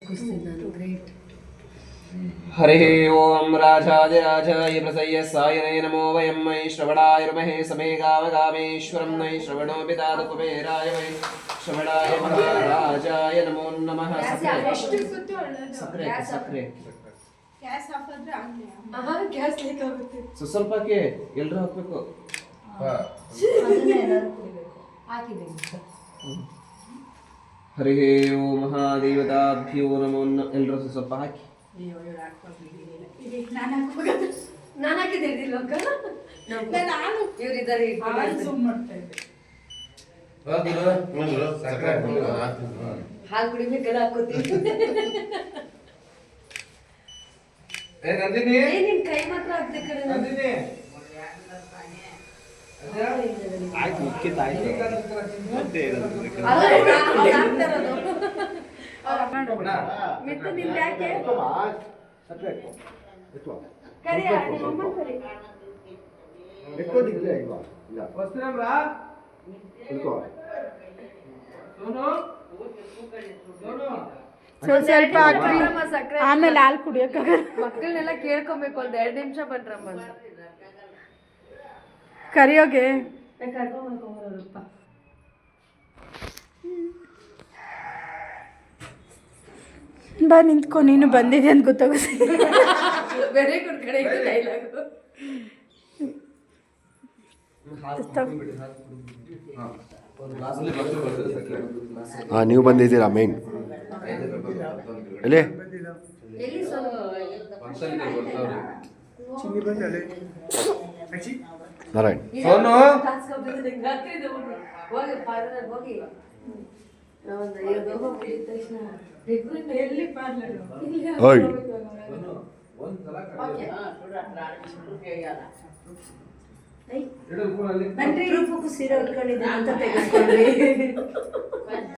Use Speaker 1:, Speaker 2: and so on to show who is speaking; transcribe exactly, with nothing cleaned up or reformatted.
Speaker 1: हरिः ओम राजाधिराजाय प्रसय्यसायने नमो वयं मयि श्रवणाय समे गावगामेश्वरं नयि श्रवणो पितादुपमेराय वै श्रवणाय महाराजाय नमो नमः. सक्रे सक्रे ಸ್ವಲ್ಪಕ್ಕೆ ಎಲ್ಲರೂ ಹಾಕ್ಬೇಕು. ಹರಿ ಓಂ ಮಹಾದೇವತಾಭ್ಯೋ ನಮೋ ನಮಃ. ಎಲ್ಲರೂ ಸ್ವಲ್ಪ ಹಾಕಿ.
Speaker 2: ನಾನು ಹಾಕಿದ್ದೇನೆ ಇವರಿದ್ದಾರೆ ಹಾಲು ಕುಡಿಬೇಕಲ್ಲ ಹಾಕೋತೀವಿ. ನಿನ್ ಕೈ ಮಾತ್ರ ಹಾಕ್ದೆ ಕಡೆ ಮಿತ್ತು ನಿಂದ ಯಾಕೆ ಕರಿ ಅಮ್ಮ ಕರಿ
Speaker 3: ಸ್ವಲ್ಪ ಹಾಕ್ರಿ ಆಮೇಲೆ ಹಾಲು ಕುಡಿಯೋಕ್ಕಾಗಲ್ಲ.
Speaker 2: ಮಕ್ಕಳನ್ನೆಲ್ಲ ಕೇಳ್ಕೊಬೇಕು ಒಂದ್ ಎರಡು ನಿಮಿಷ ಬನ್ರಮ್ಮ ಅಂತ
Speaker 3: ಕರಿಯೋಗೆ
Speaker 2: ಕರ್ಕೊಂಡ್ಬರ್ಕೊಂಬರಪ್ಪ.
Speaker 3: ಬಾ ನಿಂತ್ಕೊ, ನೀನು ಬಂದಿದೆ ಅಂತ ಗೊತ್ತಾಗುತ್ತೆ.
Speaker 2: ವೆರಿ ಗುಡ್ ಕಡೆ ಇದು ಡೈಲಾಗು.
Speaker 4: ಹಾಂ, ನೀವು ಬಂದಿದ್ದೀರಾ ಮೇನ್ ಎಲ್ಲಿ ನಾರಾಯಣ್ ಓಯ್
Speaker 2: ಸೀರೆ ಉಟ್ಕೊಂಡಿದ್ದೀನಿ ಅಂತ ತೆಗೆದುಕೊಂಡ್ರಿ.